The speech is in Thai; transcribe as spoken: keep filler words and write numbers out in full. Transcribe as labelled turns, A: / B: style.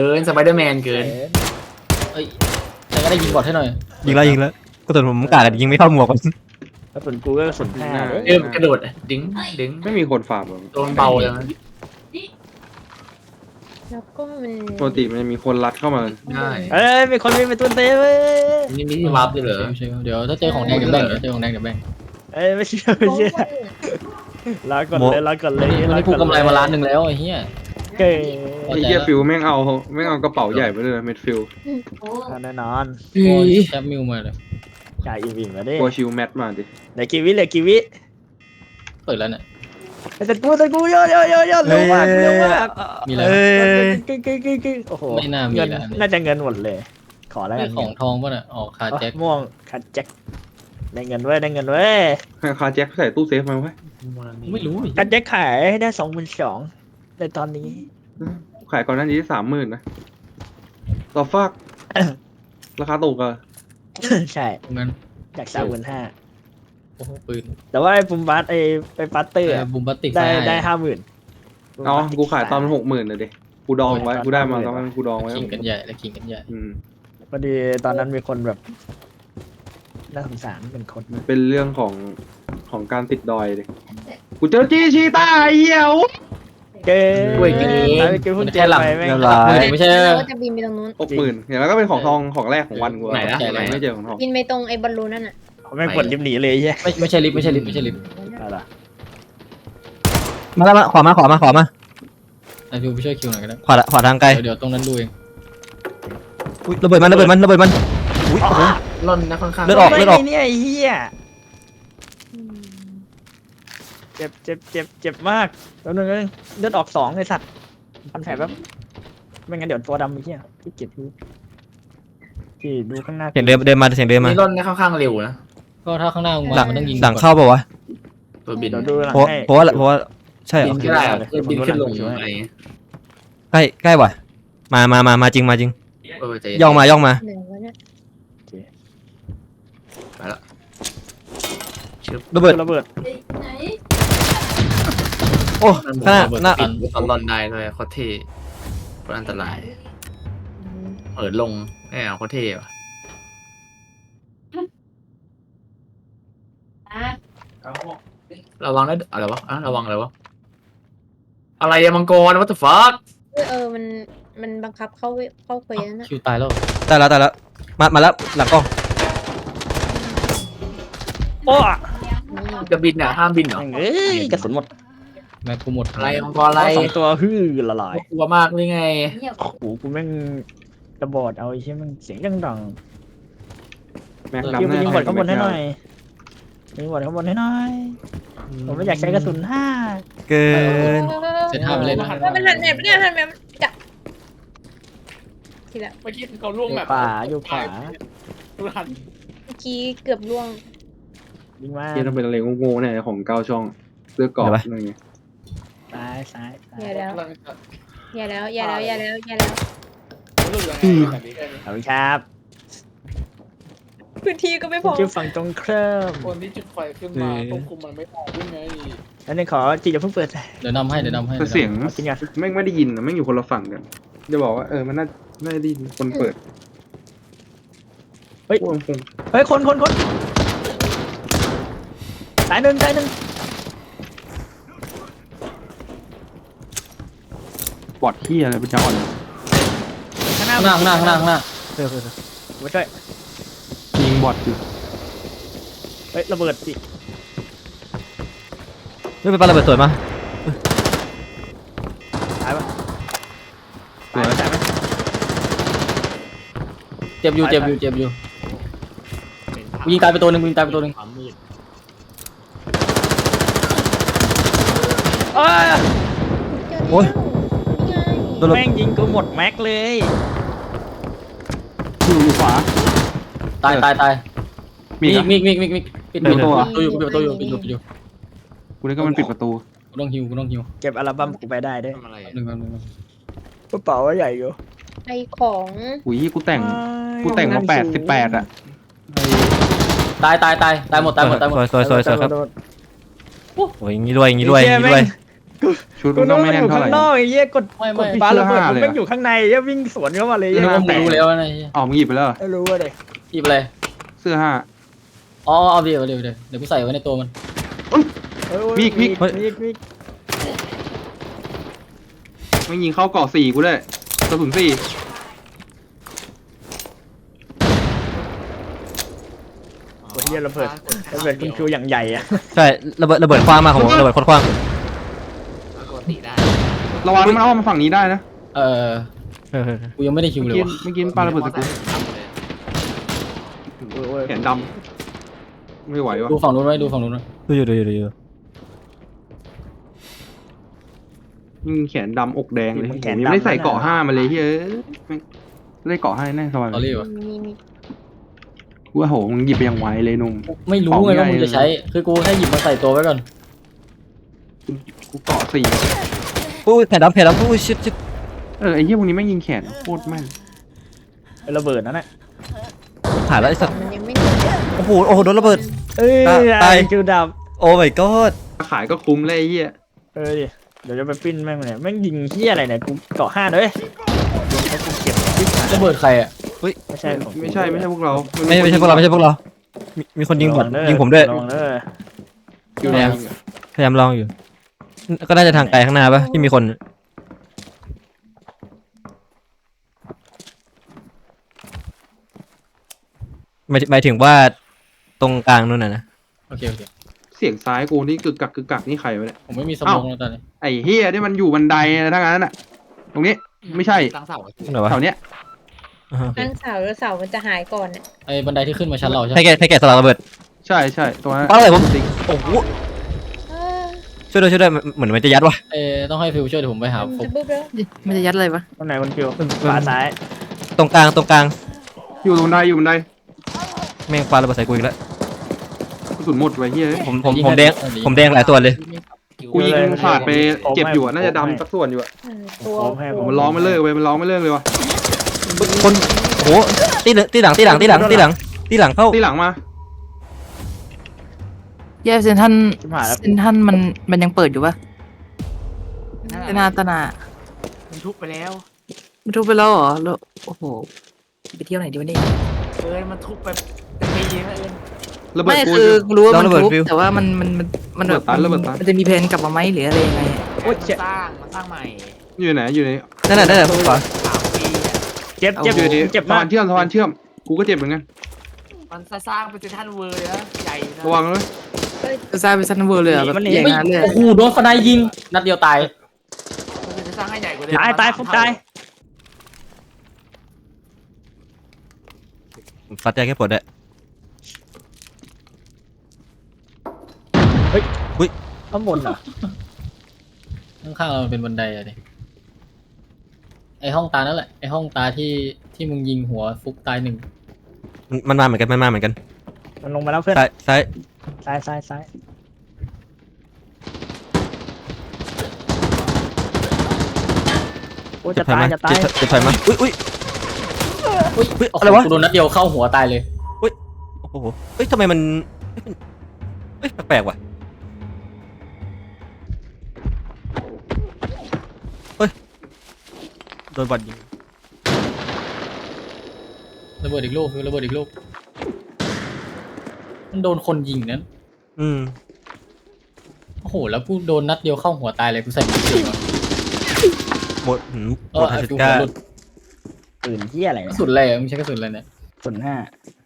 A: เกินสไปเดอร์แมนเกิน
B: เอ้ยแต่ก็ได้ยิงบอดให้หน่อย
C: ยิงแล้วยิงแล้วก็ตัวผมกาดยิงไม่เข้าหมวกมัน
D: แล้วส่วนกูก็ส่วนห้า
A: เริ่มกระโดดดึงดึง
E: ไม่มีคนฝ่าผม
A: โดนเบาเลย
F: แล้วก็มัน
E: ปกติมันจะมีคนรัดเข้ามา
A: ได้
D: เอ้ยมีคนมีประตูเต้เว้ย
A: นี่มีที่วาร์ปด้วยเหรอ
B: ไม่ใช่เดี๋ยวถ้าเจอของแดงเดี๋ยวแบ่งเดี๋ยวเจอของแดงเดี๋ยวแบ่ง
D: เอ้ยไม่เชื่อไม่เชื่อลาก่อนเลยลาก่อนเลย
B: วันนี้กูกำไรมาล้านหนึ่งแล้วไอ้เหี้ย
D: เก๋
E: ไอ้เหี้ยฟิลแม่งเอาแม่งเอากระเป๋าใหญ่ไปเลยเม็ดฟิล
D: แน่นอน
B: โอ้ยแคปมิวมาเลย
D: จ่ายอีวิมมาดิ
E: ตัวชิวแมทมาดิ
D: เหลือกี่วิเหลือกี่วิ
B: เปิดแล้วเนี่ย
D: แต่กูแต่กูเยอะเยอะเยอะเยอะเร็วมากเร็วมาก
B: มีแล้ว
C: เอ้ย
D: กึ๊กกึ๊กกึ๊กกึ๊กโอ้โห
B: ไม่น่ามี
D: เงิน
B: แล้ว
D: น่าจะเงินหมดเลย ขอแล้วกั
B: ไม่
D: น
B: ของทองป่ะน่ะออกคาแจ็ค
D: ม่วงคัดแจ็คได้เงินเว้ยได้เงินเว้ย
E: ให้คาแจ็คใส่ตู้เซฟมาไว้
B: ไม่รู้
D: คัดแจ็คขายให้ได้สองหมื่นสองในตอนนี้
E: ขายก่อนหน้านี้สามหมื่นนะต่อฟากราคาตกอะ
D: ใช่
B: งั้น
D: จากสามหมื่นห้า
B: โอ้โหปืน
D: แต่ว่าไอ้ปุ่มบัสไอ้ไปปัตเตอร์อะ
B: บุมบัติก
D: ได้ได้ห้าหมื่น
E: อ๋อกูขายตอนหกหมื่นเลยดิกูดองไว้กูได้มาตอนนั้นกูดองไว้
B: ขิงกันใหญ่แล้วขิงกันใหญ่
E: อืม
D: พอดีตอนนั้นมีคนแบบน่าสงสารเป็นคน
E: มันเป็นเรื่องของของการติดดอยดิกูเจอจีชีต้าไอ้เหี้ยว
D: เก๋
A: ด้วยเก๋
D: ตอนเก๋เพิ่งเจอไปแม่ง
C: เรียบร้อย
B: ไม่ใช่
F: เราก็จะบินไปตรงนู้น
E: หกหมื่นเนี่ยแล้วก็เป็นของทองของแรกของวันกู
A: ไหนนะ
E: ไหนไม่เจอของทอง
F: บินไปตรงไอ้บอลลูนนั่นน่ะ
D: แม่งกดลิฟต์หนีเลยใช่
B: ไม่ไม่ใช่ลิฟต์ไม่ใช่ลิฟต์ไม่ใช่ลิฟต์
D: อะไร
C: มาแล้วมาขวามาขวามาขวามา
B: ไอฟิวไปช่วยคิวหน่อยก็ได้
C: ขวาขวาทางไกล
B: เดี๋ยวเดี๋ยวตรงนั้นดูเอง
C: อุ๊ยระเบิดมันระเบิดมันระเบิดมันอุ้ยโอ้โห
A: ล่นนะค่อนข้าง
C: เลือดออก
D: ไม่เนี่ยไอ้เหี้ยเจ็บเจ็บเจ็บเจ็บมากแล้วนึงเลือดออกสองไอ้สัตว์พันแผลแบบไม่งั้นเดี๋ยวตัวดำไอ้เหี้ยพี่เก็บดูพี่ดูข้างหน้า
C: เสียงเดินเดินมาเสียงเดินมา
A: นี่ล่นนะค่อนข้างเร็วนะ
B: ก็ถ้าข้างหน้ามึง
C: หลั
B: มาง มันต้องยิง
C: หลังเข้าเปล่าวะ
A: ตัวบิน
D: เดี๋ยวดูหลัง
C: เพราะ
D: ให้
C: เพราะว่าเพราะว่าใช่เหร
A: บิ
C: อน
A: ก็ได้เพื่อบินขึ้นลงอะไร
C: ใกล้ใกล้ว่ะมามามามาจริงมาจริง
A: เออใจ
C: ย่องมาย่องมา
F: เหนือวะเนี่ย
A: ไปละ
C: ระเบิด
D: ระเบิด
C: โอ้ข้างหน้าหน้า
A: ปิดตอนล่นได้ด้วยโคตรเท่โคตรอันตรายเปิดลงแอบโคตรเท่ว่ะระวังนะอะไรวะอ่ะระวังอะไรวะอะไรอะมังกร what the fuck
F: เออเออมันมันบังคับเข้าเข้าเควสนะ
B: คิวตายแล้ว
C: ตายแล้วตายแล้วมามาแล้วหลังกล้อง
D: โอ้
A: จะบินอ่ะห้ามบินเหรอ
D: เอ้ยกระสุนหมด
B: แม็กกูหมด
A: อะไรมังกรอะไร
D: สองตัวฮือละลาย
A: กลัวมากเลยไง
D: โอ้โหกูแม่งระบอดเอาไอ้เชี่ยแม่งเสียงดังดัง
E: แม็ก
D: คิว
E: ดำ
D: ไป
E: แน่
D: ยิงบอดข้างบนให้หน่อยยิงบอดข้างบนให้หน่อยผมไม่อยากใช้กระสุนห้า
C: เกิน
B: เซตห้าไปเล่นนะ
F: มันเป็นหันแบบเนี่ยหันแบบจะทีละ
G: เมื่อกี้เขาล่วง
D: อยู่
G: แบบ
D: ป่าอยู่ป่า
G: ดูหัน
F: เมื่อกี้เกือบล่วง
D: ยิงมา
E: ที่ต้องเป็นอะไรโง่ๆเนี่ยของเก้าช่องเลือกกรอบอะไรเงี้ย
D: ซ้ายซ้ายซ้าย
F: อย่าแล้ว
G: กำลังจะ
F: อย่าแล้วอย่าแล้วอย่าแล้วอย่าแล้ว
G: รู้ยังไงแบบนี้
D: ขอบคุณครับ
F: พื้นที่ก็ไม่พอ
D: ชื่อฝั่งตรงเครื่อง
G: คนที่จุดไฟขึ้นมาควบคุมมันไม่ออกด้วยไง
D: อันนี้ขอจีอย่าเพิ่งเปิด
B: เดี๋ยวนำให้เดี๋ยวนำให้
E: แต่เสียง
D: จริงอ่ะ
E: แม่งไม่ได้ยินนะแม่งอยู่คนละฝั่งกันจะบอกว่าเออมันน่าไม่ได้ยินคนเปิด
D: เฮ้ย
E: พวกมันคง
D: เฮ้ยคนคนคนสายหนึ่งสายหนึ่ง
E: บอดที่อะไรเป็นจ้าอ่อน
D: ข้างหน้า
B: ข้างหน้าข้างหน้าข้างหน้าข้างหน้า
C: เออเออเออ
D: ไม่ใช่
E: ยิงบอดอยู่
D: เฮ้ยระเบิดสิ
C: เฮ้ยไปปาระเบิดสวยมา
D: ตายปะตายไหมตายไหม
B: เจ็บอยู่เจ็บอยู่เจ็บอยู่กูยิงตายไปตัวหนึ่งกูยิงตายไปตัวหนึ่ง
D: เอ้ย
C: โอ้ย โดนระ
D: แม่งยิงกูหมดแม็กเลย
E: อยู่อยู่ขวา
B: ตายตายตาย
E: มี
B: มี
E: อีก
B: มีมีมีมีปิด
E: เปิดประตูเหรอ
B: อยู่ปิดประตูอยู่ปิดอยู่ปิดอยู่
E: กูนึกว่ามันปิดประตู
B: กูต้องฮิวกูต้องฮิว
D: เก็บอัลบั้มกูไปได้ด้วย
A: ทำอะไร
B: หนึ่งหนึ่งหนึ่ง
D: กระเป๋าใหญ่อยู่
F: ไอของ
E: อุ้ยกูแต่งกูแต่งมาแปดสิบแปดอะ
B: ตายตายตายตายหมดตายหมดตายหมด
C: สวยสวยสวยสวยครับ
D: โดน
C: โอ้ยอย่างงี้ด้วยอย่างงี้ด้วยอย่างงี้ด้วย
E: ชุด
D: กู
E: มัน
D: นึ
E: ต้
D: ก
E: อง
D: ว่า
E: ไม่
D: มัน
E: แน่
D: อน ยู่
E: เท่าไห
D: ข้า
E: ร่
D: งนอกไอ้เหี้ยกด
B: ไม่
D: ก
B: ไม่
D: ดปาระเบิด
E: เสื้อผ้า
D: มัน
E: เลย
D: ไม่
E: อะ
D: อยู่ข้างในเหี้ยวิ่งสวนเข้ามาเลย
B: นึกว่ามึง
D: แตก
B: รู้แล้วนะ
E: อ๋อมึงหยิบไปแล้วเหรอ
D: ไม่รู้ว่าเลย
B: หยิบอะไร
E: เสื้อห้า
B: อ๋อเอาเดี๋ยวเดี๋ยวเดี๋ยวเดี๋ยวกูใส่ไว้ในตัวมัน
D: เอ้ย
E: มีดมีด
D: มีดมีด
E: ไม่ยิงเข้าเกาะสี่กูด้วยกระสุนสี่
D: โอ้ยเหี้ยระเบิดระเบิดคุณคิวอย่างใหญ่อะ
C: ใช่ระเบิดระเบิดคว้างมากของผมระเบิดโคตรคว้าง
A: ปกติได้
E: ระวังมันเอามาฝั่งนี้ได้นะ
B: เออ
C: เออ
B: กูยังไม่ได้คิว
E: เมื่
B: เล
E: อย กี้
B: ว่ะ
E: เมื่อกี้ปาระเบิดใส่กู
D: โอ้ยโอ้ย
E: แขนดำไม่ไหววะ
B: ดูฝั่งนู้นไว้ดูฝั่งนู้นไว้
C: ดูอยู่ดูอยู่ดูอยู่
E: ยิงแขนดำอกแดงเลยผมยังไม่ได้ใส่เกาะห้ามาเลยเฮ้ยแม่งได้เกาะห้าแน่สบาย
B: ตอรี่วะ
F: มีมี
E: กูว่าโหมึงหยิบไปยังไวเลยหนุ่ม
B: ไม่รู้ไงว่ามึงจะใช้ คือกูแค่หยิบมาใส่ตัวไว้ก่อน
E: กูเกาะสี่
C: อุ้ยแผ่นดำแผ่นดำอุ้ยชิดชิด
E: เออไอ้เหี้ยพวกนี้ไม่งยิงแขนโคตรแม่น
D: เป็นระเบิดนั่นแหละ
C: หายแล้วไอ้สัตว์
F: มันยังไม่ถึง
C: โอ้โหโอ้โหโดนระเบิด
D: เอ้ย
C: ตาย
D: คิวดับ
C: โอ้ my god
E: ขายก็คุ้มเลยไอ้เหี้ย
D: เออดิเดี๋ยวจะไปปิ้นแม่งเลยแม่งยิงเหี้ยอะไรเนี่ยกูเกาะห้าเลยให้กูเก็บปิ๊บ
B: ระเบิดใครอ่ะ
D: ไม่ใช่ของกู
E: ไม่ใช่ไม่ใช่พวกเรา
C: ไม่ไม่ใช่พวกเราไม่ใช่พวกเรา มีมีคนยิงผม
D: ระวัเด้อ
C: ยิงผมด้วย
D: ระวังเด้อ
E: อยู่ไหน
C: พยายามลองอยู่ ก็น่าจะทางไกลข้างหน้าปะที่มีคนหมายหมายถึงว่าตรงกลางนู่นน่ะนะ
B: โอเคโอเค
E: เสียงซ้ายกูนี่กึกกักกึกกักนี่ใครวะเนี่ย
B: ผมไม่มีสม
E: เอ้า
B: องแล้วตอนนี้
E: ไอ้เฮียนี่มันอยู่บันไดนะทั้งนั้นน่ะ ตรงนี้ไม่ใช่
A: ตั้งเสา
C: ตรงไหนวะ
E: แถวเนี้ย
C: อ่าฮะ
F: ตั้งเสาแล้วเสามันจะหายก่อนอ่ะ
B: ไอ้บันไดที่ขึ้นมาชั้นเราใช่ไหม
C: ให้แกให้แกสลักระเบิด
E: ใช่ใช่ตรงนั้น
C: ปาอะไรผม
E: จริง
C: โอ้โห
F: เออ
C: ช่วยด้วยช่วยด้วยเหมือนมันจะยัดว่ะ
B: เอ้ต้องให้ฟิวช่วยเดี๋ยวผมไปหา
F: มัน
B: ฟุก
F: จะบึ้บแล้ว
H: มันจะยัดอะไรวะ
D: ตรงไหนคนคิวขวาซ้าย
C: ตรงกลางตรงกลาง
E: อยู่ตรงบันไดอยู่บันได
C: แม่งปาระเบิดใส่กูอีกแล้ว
E: กระสุนหมดไว้เฮีย
C: ผมผมผมแดงผมแดงหลายตัวเลย
E: กูยิงขาดไปเจ็บอยู่อะน่าจะดำสักส่วนอยู่อะ
F: เออตัว
D: พร้อมให้ผม
E: มันร้องไม่เลิกเว้ยมันร้องไม่เลิกเลยวะ
C: คนโอ้โหตีหลังตีหลังตีหลังตีหลังตีหลังตีหลังเข้า
E: ที่หลังมา
H: แย่เซนทัน
D: ชิบหายแล้ว
H: เซนทันมันมันยังเปิดอยู่ปะเซนาตนา
A: มันทุบไปแล้ว
H: มันทุบไปแล้วเหรอแล้วโอ้โหไปเที่ยวไหนดีวะเนี่ย
A: เอ้ยมันทุบไปเป็นปีแล้วเอิญ
E: ระเบิด
H: ไม่
E: กู
H: คือกูรู้ว่ามัน
C: ระเบิด
H: ทุบ
C: ฟิว
H: แต่ว่ามันมันมันมันแบบ
E: ระเบิดตันระเบิดตัน
H: มันจะมีแผนกลับมาไหมหรืออะไรยังไงอะ
D: โอ้ยเจ็บ
A: สร้างมันสร้างใหม่
E: อยู่ไหนอยู่ไหน
C: นั่นน่ะนั่นน่ะขวา
A: สามปีอะ
D: เจ็บเจ็บ
E: อยู่ไหน
D: เจ็บ
E: สะ
D: มา
E: พาก นเชื่อมสะพานเชื่อมกูก็เจ็บเหมือนกัน
A: มันสร้างเป็นเซนทรัลเวิร์เลยนะใหญ่นะ
E: ระวังเลย
H: จะสร้างเป็นซันเวอร์เลยอะแบบอย่างนั้นเลย
B: โอ้โหโดนสไนด์ยิง นัดเดียวตาย
A: มันจะสร้างให้ใหญ่กว่าเดิม
D: ตายตายฟุกตาย
C: ฟัดใจแค่ปวดด้วย
D: ข้างบนเหรอ
B: ข้างๆเรามันเป็นบันไดอะดิไอห้องตานั่นแหละไอห้องตาที่ที่มึงยิงหัวฟุกตายหนึ่ง
C: มันมันมาเหมือนกันมันมาเหมือนกัน
D: มันลงมาแล้วเพื่อน
C: ซ้ายซ้าย
D: ซ้ายซ้ายซ้ายโอ้
C: จะ
D: จะ
C: ถอย
D: ตาย
C: มา
D: จะตาย
C: จะจะถอยมาอุ้ยอุ้ย
B: อุ้ย
C: เฮ้ย
B: โอ้โห
C: อะไรวะ
B: กูโดนนัดเดียวเข้าหัวตายเลย
C: โอ้โหเฮ้ยทำไมมันเฮ้ยแปลกๆว่ะเฮ้ยโดนบอลยิง
B: ระเบิดอีกลูกฟิวระเบิดอีกลูก มันโดนคนยิงนั้น
C: อืม
B: โอ้โห แล้วกูโดนนัดเดียวเข้าหัวตายเลย กูใส่หมวกสีมา
C: หมดหืมห
B: เอ
C: ม
B: อ
C: ดทั
B: ไอ้
C: น
B: ฟิว
C: ก้า
B: หัวหลุด
D: ปืนเหี้ยอะไร
B: ก
D: เนี่
B: ระ
D: ย
B: สุนอะไรอะมึงใช้กระสุนอะไรเนี่ย
D: ส่วนห้า